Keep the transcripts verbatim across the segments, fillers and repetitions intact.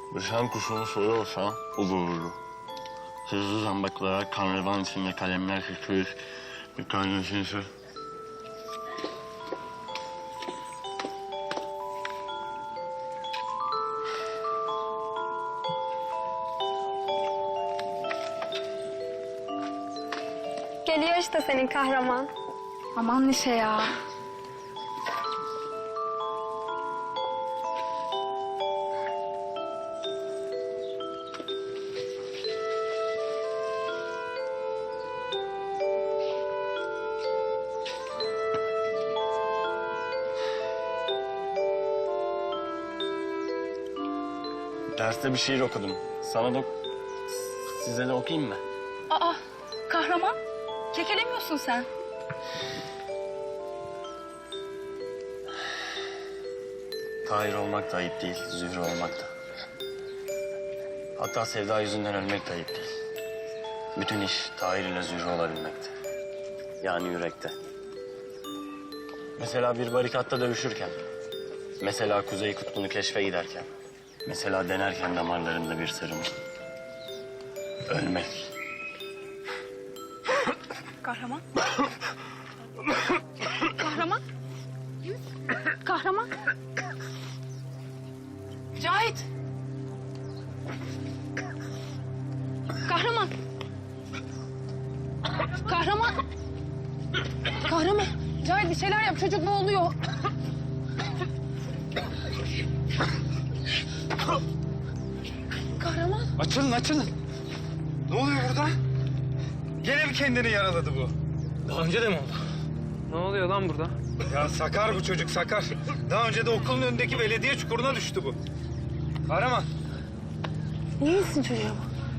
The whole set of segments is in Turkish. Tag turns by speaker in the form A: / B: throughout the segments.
A: Düşen kuşunu soruyorsa o vururdu. Hızlı zambaklara kanrevan içinde kalemler sıkıyoruz. Bir tanesini sür.
B: Geliyor işte senin kahraman.
C: Aman Neşe ya.
A: Derste bir şiir okudum. Sana da size de okuyayım mı?
C: Aa, kahraman. Kekelemiyorsun sen.
A: Tahir olmak da ayıp değil, Zühre olmak da. Hatta sevda yüzünden ölmek de ayıp değil. Bütün iş Tahir ile Zühre olabilmekte. Yani yürekte. Mesela bir barikatta dövüşürken. Mesela Kuzey Kutbu'nu keşfe giderken. Mesela denerken damarlarında bir sarılma. Ölmek.
C: Kahraman. Kahraman. Kahraman. Cahit. Kahraman. Kahraman. Kahraman. Cahit bir şeyler yap, çocuk boğuluyor. Kahraman.
D: Açılın, açılın. Ne oluyor burada? Gene mi kendini yaraladı bu?
E: Daha önce de mi oldu? Ne oluyor lan burada?
D: Ya sakar bu çocuk, sakar. Daha önce de okulun önündeki belediye çukuruna düştü bu. Kahraman.
C: İyi misin çocuğum?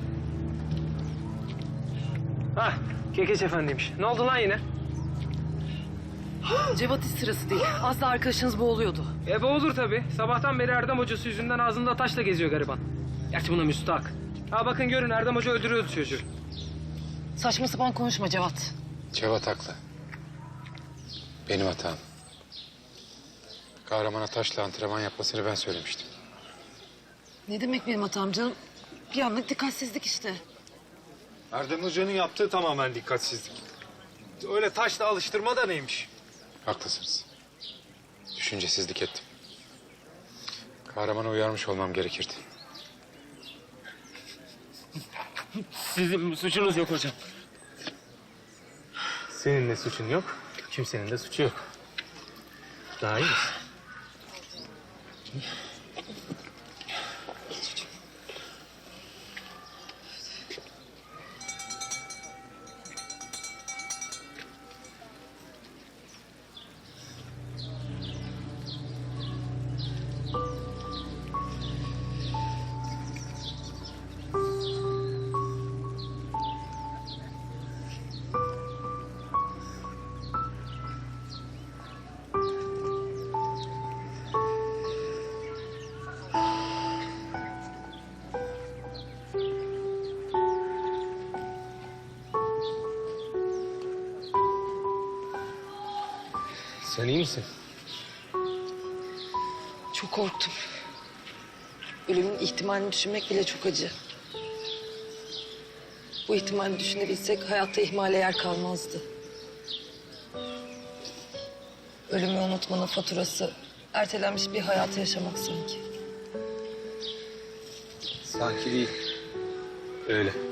E: Hah, Kekeç Efendi'ymiş. Ne oldu lan yine?
F: Cevat hiç sırası değil. Az da arkadaşınız boğuluyordu.
E: E olur tabii. Sabahtan beri Erdem hocası yüzünden ağzında taşla geziyor gariban. Gerçi buna müstahak. Ha bakın görün Erdem hoca öldürüyordu çocuğu.
F: Saçma sapan konuşma Cevat.
G: Cevat haklı. Benim hatam. Kahramana taşla antrenman yapmasını ben söylemiştim.
F: Ne demek benim hatam canım? Bir anlık dikkatsizlik işte.
D: Erdem Hoca'nın yaptığı tamamen dikkatsizlik. Öyle taşla alıştırma da neymiş?
G: Haklısınız. Düşüncesizlik ettim. Kahramana uyarmış olmam gerekirdi.
E: Sizin suçunuz yok hocam. Senin de suçun yok, kimsenin de suçu yok. Daha iyi misin? Sen iyi misin?
F: Çok korktum. Ölümün ihtimalini düşünmek bile çok acı. Bu ihtimali düşünebilsek hayatta ihmale yer kalmazdı. Ölümü unutmanın faturası ertelenmiş bir hayatı yaşamak sanki.
E: Sanki değil. Öyle.